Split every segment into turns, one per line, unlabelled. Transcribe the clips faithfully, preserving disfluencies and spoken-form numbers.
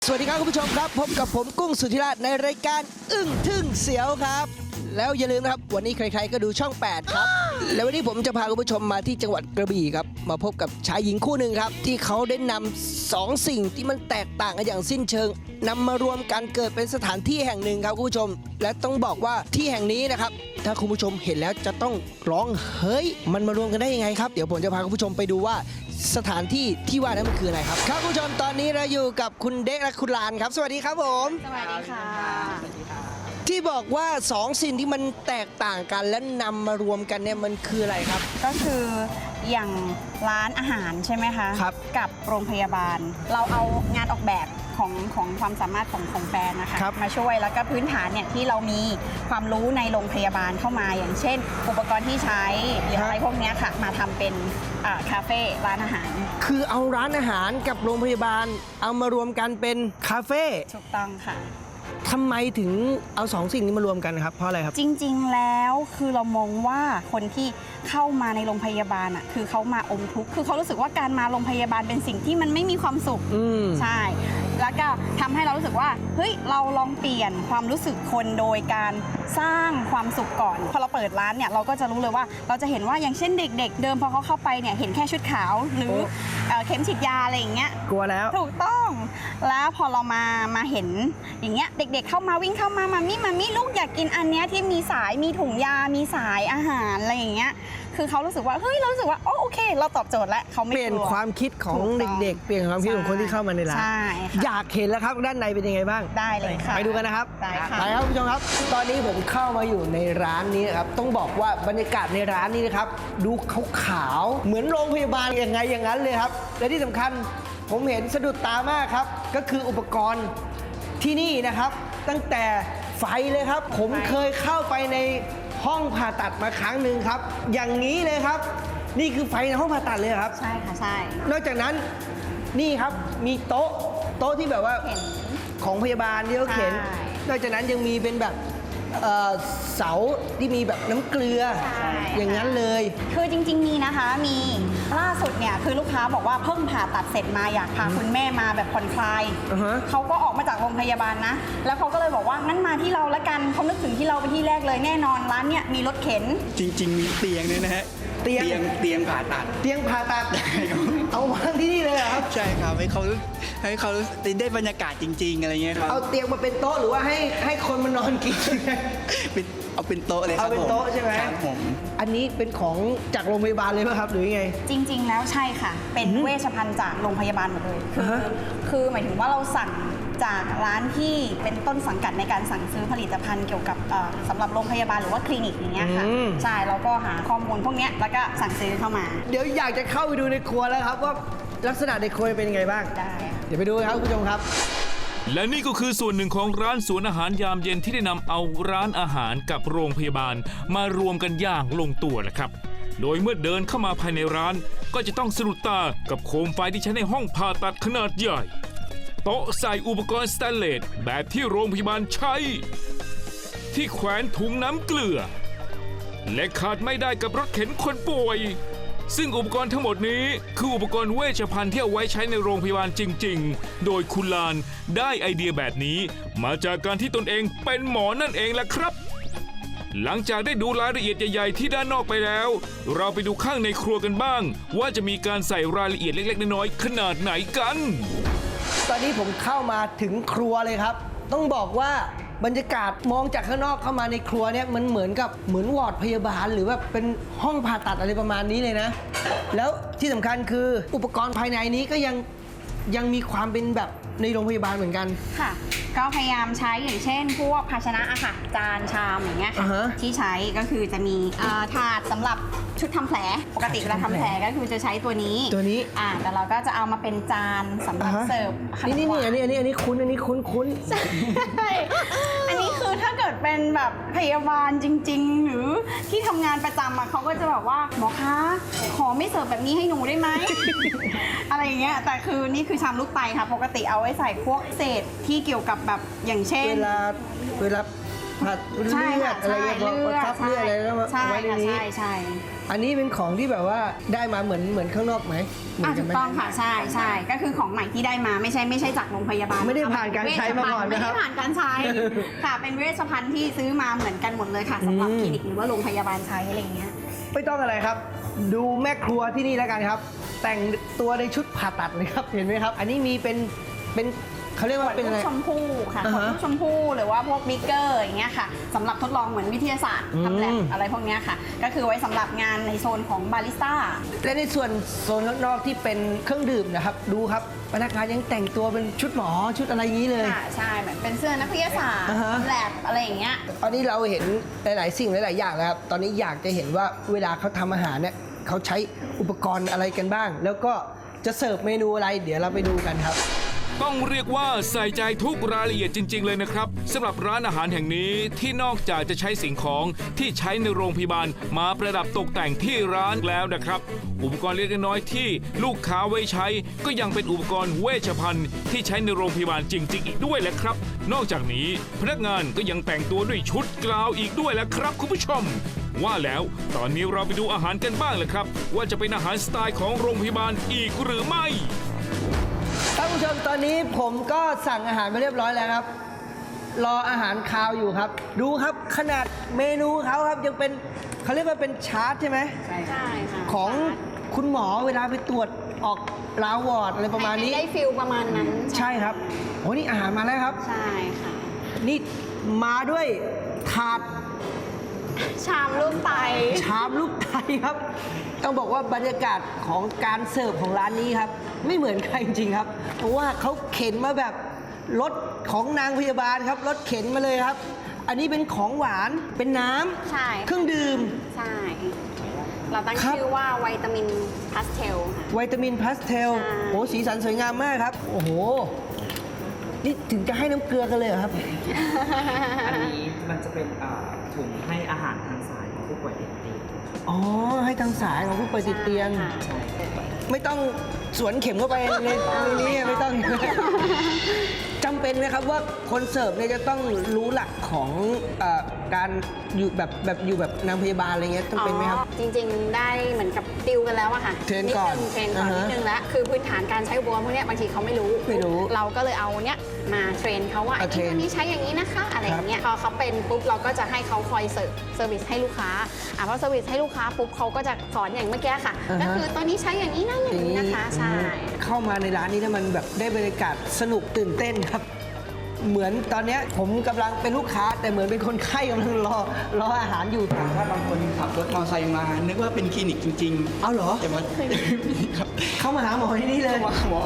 สวัสดีครับคุณผู้ชมครับพบกับผมกุ้งสุธิราชในรายการอึ้งทึ่งเสียวครับแล้วอย่าลืมนะครับวันนี้ใครๆก็ดูช่องแปดครับแล้ววันนี้ผมจะพาคุณผู้ชมมาที่จังหวัดกระบี่ครับมาพบกับชายหญิงคู่หนึ่งครับที่เขาได้นำสองสิ่งที่มันแตกต่างกันอย่างสิ้นเชิงนำมารวมกันเกิดเป็นสถานที่แห่งหนึ่งครับคุณผู้ชมและต้องบอกว่าที่แห่งนี้นะครับถ้าคุณผู้ชมเห็นแล้วจะต้องร้องเฮ้ยมันมารวมกันได้ยังไงครับเดี๋ยวผมจะพาคุณผู้ชมไปดูว่าสถานที่ที่ว่านั้นมันคืออะไรครับครับคุณผู้ชมตอนนี้เราอยู่กับคุณเด็กและคุณลานครับสวัสดีครับผม
สวัสดีค่ะ
ที่บอกว่าสองสิ่งที่มันแตกต่างกันและนำมารวมกันเนี่ยมันคืออะไรครับ
ก็คืออย่างร้านอาหารใช่ไหมคะ
ครับ
กับโรงพยาบาล เราเอางานออกแบบของของความสามารถของของแบรนด์นะคะ
ครับ
มาช่วยแล้วก็พื้นฐานเนี่ยที่เรามีความรู้ในโรงพยาบาลเข้ามาอย่างเช่น อุปกรณ์ที่ใช้หรืออะไรพวกเนี้ยค่ะมาทำเป็นอ่าคาเฟ่ร้านอาหาร
คือเอาร้านอาหารกับโรงพยาบาล เอามารวมกันเป็นคาเฟ่
ถูกต้องค่ะ
ทำไมถึงเอาสองสิ่งนี้มารวมกันครับเพราะอะไรครับ
จริงๆ แล้วคือเรามองว่าคนที่เข้ามาในโรงพยาบาลอ่ะคือเขามาอมทุกข์คือเขารู้สึกว่าการมาโรงพยาบาลเป็นสิ่งที่มันไม่มีความสุข
อืม
ใช่ แล้วก็ทำให้เรารู้สึกว่าเฮ้ยเราลองเปลี่ยนความรู้สึกคนโดยการสร้างความสุขก่อนพอเราเปิดร้านเนี่ยเราก็จะรู้เลยว่าเราจะเห็นว่าอย่างเช่นเด็ก ๆ เดิมพอเขาเข้าไปเนี่ยเห็นแค่ชุดขาวหรือ
โอ้
เอ่อเข็มฉีดยาอะไรอย่างเงี้ย
กลัวแล้ว
ถูกต้อง แล้วพอเรามามาเห็นอย่างเงี้ยเด็กๆเข้ามาวิ่งเข้ามามามี่มามี่ลูกอยากกินอันเนี้ยที่มีสายมีถุงยา มีสายอาหารอะไรอย่างเงี้ยคือเขารู้สึกว่าเฮ้ยเรารู้สึกว่าโอ้โอเค เราตอบโจทย์แล้วเขาไม่
เปลี่ยน
กลัว
ความคิดของ
ถูกต้อง
เด็กๆ เปลี่ยนความคิดของคนที่เข้ามาในร้าน
ใช่ค่ะ
อยากเห็นแล้วครับด้านในเป็นยังไงบ้าง
ได้เลยค่ะ
ไปดูกันนะครับ
ได้ค่ะ
ไปครับคุณผู้ชมครับ ตอนนี้ผมเข้ามาอยู่ในร้านนี้นะครับ ต้องบอกว่าบรรยากาศในร้านนี้นะครับ ดูขาวๆ เหมือนโรงพยาบาลยังไงอย่างนั้นเลยครับ และที่สำคัญผมเห็นสะดุดตามากครับ ก็คืออุปกรณ์ที่นี่นะครับ ตั้งแต่ไฟเลยครับ ผมเคยเข้าไปในห้องผ่าตัดมาครั้งหนึ่งครับ อย่างนี้เลยครับ นี่คือไฟในห้องผ่าตัดเลยครับ
ใช่ค่ะใช่
นอกจากนั้นนี่ครับมีโต๊ะโต๊ะที่แบบว่า
เห็น
ของพยาบาลที่เขาเข็น
ใช่
นอกจากนั้นยังมีเป็นแบบเอ่อเสาที่มีแบบน้ำเกลือ
ใช่
อย่างนั้นเลย
คือจริงๆมีนะคะมีล่าสุดเนี่ยคือลูกค้าบอกว่าเพิ่งผ่าตัดเสร็จมาอยากพาคุณแม่มาแบบผ่อนคลาย
อือฮะ
เขาก็ออกมาจากโรงพยาบาลนะ แล้วเขาก็เลยบอกว่างั้นมาที่เราละกันเขานึกถึงที่เราเป็นที่แรกเลยแน่นอนร้านเนี่ยมีรถเข็น
จริง ๆ มีเตียงด้วยนะฮะ
เตียง
เตียงผ่าตัด
เตียงผ่าตัด
ครับ
เอาวางที่นี่เลยเหรอครับ
ใช่ครับให้เขาให้เขาได้บรรยากาศจริง ๆ อะไรเงี้ยครับ
เอาเตียงมาเป็นโต๊ะหรือว่าให้ให้คนมานอนกิน
เป็นเอาเป็นโต๊ะเลยค
เอา
รับ
เป็น
ผม
โต๊ะใช่ไหม
ครับผม
อันนี้เป็นของจากโรงพยาบาลเลยป่ะครับหรือยังไง
จริง ๆ แล้วใช่ค่ะ เป็นเวชภัณฑ์จากโรงพยาบาลหมดเลย คือ
อ่าฮะ
คือหมายถึงว่าเราสั่งจากร้านที่เป็นต้นสังกัดในการสั่งซื้อผลิตภัณฑ์เกี่ยวกับเอ่อสำหรับโรงพยาบาลหรือว่าคลินิกอย่างเงี้ยค่ะ
อืม
ใช่เราก็หาข้อมูลพวกเนี้ยแล้วก็สั่งซื้อเข้ามา
เดี๋ยวอยากจะเข้าไปดูในครัวแล้วครับว่าลักษณะในครัวเป็นยังไงบ้าง
ได้ค่ะ
เดี๋ยวไปดูกันครับคุณผู้ชมครับ
และนี่ก็คือส่วนหนึ่งของร้านสวนอาหารยามเย็นที่ได้นำเอาร้านอาหารกับโรงพยาบาลมารวมกันอย่างลงตัวแหละครับ โดยเมื่อเดินเข้ามาภายในร้านก็จะต้องสะดุดตากับโคมไฟที่ใช้ในห้องผ่าตัดขนาดใหญ่ โต๊ะใส่อุปกรณ์สแตนเลสแบบที่โรงพยาบาลใช้ ที่แขวนถุงน้ำเกลือ และขาดไม่ได้กับรถเข็นคนป่วย ซึ่งอุปกรณ์ทั้งหมดนี้คืออุปกรณ์เวชภัณฑ์ที่เอาไว้ใช้ในโรงพยาบาลจริง ๆ โดยคุณลานได้ไอเดียแบบนี้ มาจากการที่ตนเองเป็นหมอนั่นเองแหละครับ หลังจากได้ดูรายละเอียดใหญ่ๆที่ด้านนอกไปแล้ว เราไปดูข้างในครัวกันบ้าง ว่าจะมีการใส่รายละเอียดเล็กๆน้อยๆขนาดไหนกัน
ตอนนี้ผมเข้ามาถึงครัวเลยครับ ต้องบอกว่าบรรยากาศมองจากข้างนอกเข้ามาในครัวเนี่ยมันเหมือนกับเหมือนวอร์ดพยาบาลหรือว่าเป็นห้องผ่าตัดอะไรประมาณนี้เลยนะ แล้วที่สำคัญคืออุปกรณ์ภายในนี้ก็ยังยังมีความเป็นแบบในโรงพยาบาลเหมือนกัน
ค่ะ ก็พยายามใช้อย่างเช่น พวกภาชนะอะค่ะจานชามอย่างเงี้ยค่ะ
อ่าฮะ
ที่ใช้ก็คือจะมีเอ่อถาดสำหรับชุดทำแผลปกติเวลาทำแผลก็คือจะใช้ตัวนี้
ตัวนี้
อ่าแต่เราก็จะเอามาเป็นจานสำหรับ
อ่าฮะ
เสิร์ฟขนม
นี่นี่
ห
นี่
วา
อันนี้อันนี้อันนี้คุ้นอันนี้คุ้นคุ้น
ใช่อันนี้คือถ้าเกิดเป็นแบบพยาบาลจริง ๆ หรือที่ทำงานประจำอะเขาก็จะแบบว่าหมอคะขอไม่เสิร์ฟแบบนี้ให้หนูได้ไหม อะไรอย่างเงี้ยแต่คือนี่คือชามลูกไตค่ะปกติเอาไว้ใส่พวกเศษที่เกี่ยวกับแบบอย่างเช่น
เวลาเวลาผัดเลื
ใช่
อ
ค่ะ
ดอะไร
ใช่
เงี้ย
เลือด
ทับเลือดอะไรแล้วมา
ใช่
ไว้ใน
ค่ะ
นี้
ใช่ใช่
อันนี้เป็นของที่แบบว่าได้มาเหมือนเหมือนข้างนอกไหมเหมื
อ่ะ
นกั
ถู
น
ก
ไหม
ต้องค่ะใช่ใช่ก็คือของใหม่ที่ได้มาไม่ใช่ไม่ใช่จากโรงพยาบาล
ไม่ได้ผ่านการใช้มาก่อน
ไม่
นะครั
ได้
บ
ผ่านการใช้ค่ะเป็นเวชภัณฑ์ที่ซื้อมาเหมือนกันหมดเลยค่ะสำหรับ
อืม
คลินิกหรือว่าโรงพยาบาลใช้อะไรอย่างเงี้ย
ไม่ต้องอะไรครับ ดูแม่ครัวที่นี่แล้วกันครับ แต่งตัวในชุดผ่าตัดเลยครับเห็นไหมครับ อันนี้มีเป็นเป็นเขาเรียก
ขว
ว่า
ด
เป็น
ลู
อะไร
กชมพู่ค่ะข
อ่าว
ด
ฮะ
ลูกชมพู่หรือว่าพวกบิ๊กเกอร์อย่างเงี้ยค่ะสำหรับทดลองเหมือนวิทยาศาสตร์
อืม
ทำแลบอะไรพวกเนี้ยค่ะ ก็คือไว้สำหรับงานในโซนของบาริสต้า
และในส่วนโซนข้างนอกที่เป็นเครื่องดื่มนะครับ ดูครับพนักงานยังแต่งตัวเป็นชุดหมอชุดอะไรอย่างนี้เลย
ค่ะใช่เหมือนเป็นเสื้อนักวิทยาศาสตร์
อ่าฮะ
ทำแลบอะไรอย่างเงี้ย
ตอนนี้เราเห็นหลาย ๆ สิ่งหลาย ๆ อย่างแล้วครับ ตอนนี้อยากจะเห็นว่าเวลาเขาทำอาหารเนี่ยเขาใช้อุปกรณ์อะไรกันบ้าง แล้วก็จะเสิร์ฟเมนูอะไร เดี๋ยวเราไปดูกันครับ
ต้องเรียกว่าใส่ใจทุกรายละเอียดจริง ๆ เลยนะครับสำหรับร้านอาหารแห่งนี้ที่นอกจากจะใช้สิ่งของที่ใช้ในโรงพยาบาลมาประดับตกแต่งที่ร้านแล้วนะครับ อุปกรณ์เล็กน้อยที่ลูกค้าไว้ใช้ ก็ยังเป็นอุปกรณ์เวชภัณฑ์ที่ใช้ในโรงพยาบาลจริง ๆ อีกด้วยแหละครับ นอกจากนี้พนักงานก็ยังแต่งตัวด้วยชุดกราวอีกด้วยแหละครับคุณผู้ชม ว่าแล้วตอนนี้เราไปดูอาหารกันบ้างเลยครับ ว่าจะเป็นอาหารสไตล์ของโรงพยาบาลอีกหรือไม่
ท่านผู้ชมตอนนี้ผมก็สั่งอาหารมาเรียบร้อยแล้วครับ รออาหารคาวอยู่ครับ ดูครับขนาดเมนูเขาครับยังเป็นเขาเรียกว่าเป็นชาร์ตใช่ไหม
ใช่ค่ะ
ของคุณหมอเวลาไปตรวจออกลาวอร์ดอะไรประมาณนี้
ได้ฟิลประมาณนั้น
ใช่ครับโอ้นี่อาหารมาแล้วครับ
ใช่ค่ะ
นี่มาด้วยถาด
ชามรูปไต
ชามลูกไทยครับ ต้องบอกว่าบรรยากาศของการเสิร์ฟของร้านนี้ครับ ไม่เหมือนใครจริงๆครับ เพราะว่าเขาเข็นมาแบบรถของนางพยาบาลครับรถเข็นมาเลยครับ อันนี้เป็นของหวานเป็นน้ำ
ใช่
เครื่องดื่ม
ใช่ เราตั้ง
ครับ
ชื่อว่าวิตามินพาสเทลค่ะ
วิตามินพาสเทล
ใช่
โอ้สีสันสวยงามมากครับ โอ้โห นี่ถึงจะให้น้ำเกลือกันเลยเหรอครับ
อันนี้มันจะเป็นอ่าถุงให้อาหารทางสายของผู้ป่วยติดเตียง
อ๋อ ให้ทางสายของผู้ป่วยติดเตียง
ค่ะ
ใช่
ไม่ต้องสวนเข็มเข้าไปในในนี้ไม่ต้อง จำเป็นไหมครับว่าคนเสิร์ฟเนี่ยจะต้องรู้หลักของเออการอยู่แบบแบบอยู่แบบนางพยาบาลอะไรเงี้ยจำเป็นไหมครับ
อ๋อจริงๆ ได้เหมือนกับติวกันแล้วอะค่ะ
เทรนก่อน
ดงเทรนก่อน
อ่าฮะ
นิดนึงแล้วคือพื้นฐานการใช้อุปกรณ์พวกเนี้ยบางทีเขาไม่รู้
ไม่รู้
เราก็เลยเอาเนี้ยมาเทรนเขาว่า
อ่ะ
ไอ้ตัวนี้ใช้อย่างนี้นะคะ อะไรอย่างเงี้ยพอเขาเป็นปุ๊บเราก็จะให้เขาคอยเสิร์ฟเซอร์วิสให้ลูกค้าอ่ะพอเซอร์วิสให้ลูกค้าปุ๊บเขาก็จะสอนอย่างเมื่อกี้ค่ะ
อ่าฮะ
ก็คือตัวนี้ใช้อย่างนี้นะอย่างนี้นะคะใช่
เข้ามาในร้านนี้เนี่ยมันแบบได้บรรยากาศสนุกตื่นเต้นครับ เหมือนตอนเนี้ยผมกำลังเป็นลูกค้า แต่เหมือนเป็นคนไข้กำลังรอรออาหารอยู่
ถ้าบางคนขับรถมอเตอร์ไซค์มา นึกว่าเป็นคลินิกจริงๆ
เอาเหรอ
แต่มันครับ
เข้ามาหาหมอที่นี่เลย
มาหมอน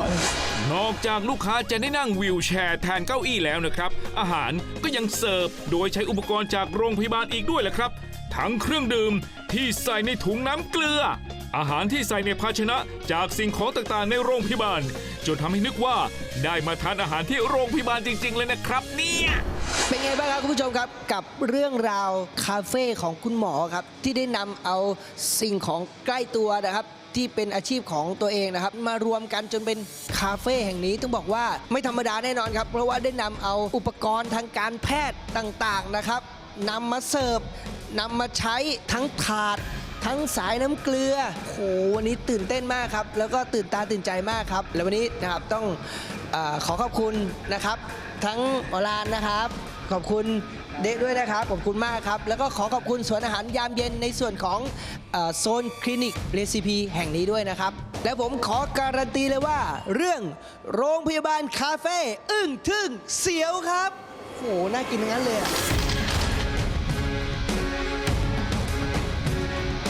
อกจากลูกค้าจะได้นั่งวีลแชร์แทนเก้าอี้แล้วนะครับ อาหารก็ยังเสิร์ฟโดยใช้อุปกรณ์จากโรงพยาบาลอีกด้วยแหละครับ ทั้งเครื่องดื่มที่ใส่ในถุงน้ำเกลือ อาหารที่ใส่ในภาชนะจากสิ่งของต่างๆในโรงพยาบาล จนทำให้นึกว่าได้มาทานอาหารที่โรงพยาบาลจริง ๆ เลยนะครับเนี่ย
เป็นไงบ้างครับคุณผู้ชมครับกับเรื่องราวคาเฟ่ของคุณหมอครับที่ได้นำเอาสิ่งของใกล้ตัวนะครับที่เป็นอาชีพของตัวเองนะครับมารวมกันจนเป็นคาเฟ่แห่งนี้ต้องบอกว่าไม่ธรรมดาแน่นอนครับเพราะว่าได้นำเอาอุปกรณ์ทางการแพทย์ต่างๆนะครับนำมาเสิร์ฟนำมาใช้ทั้งถาด ทั้งสายน้ำเกลือโหวันนี้ตื่นเต้นมากครับแล้วก็ตื่นตาตื่นใจมากครับแล้ววันนี้นะครับต้องเออขอขอบคุณนะครับทั้งหมอลานนะครับ ขอบคุณเดะด้วยนะครับขอบคุณมากครับแล้วก็ขอขอบคุณสวนอาหารยามเย็นในส่วนของเออโซนคลินิกเรซิปีแห่งนี้ด้วยนะครับและผมขอการันตีเลยว่า เรื่องโรงพยาบาลคาเฟ่อึ้งทึ่งเสียวครับโหน่ากินทั้งนั้นเลยอะ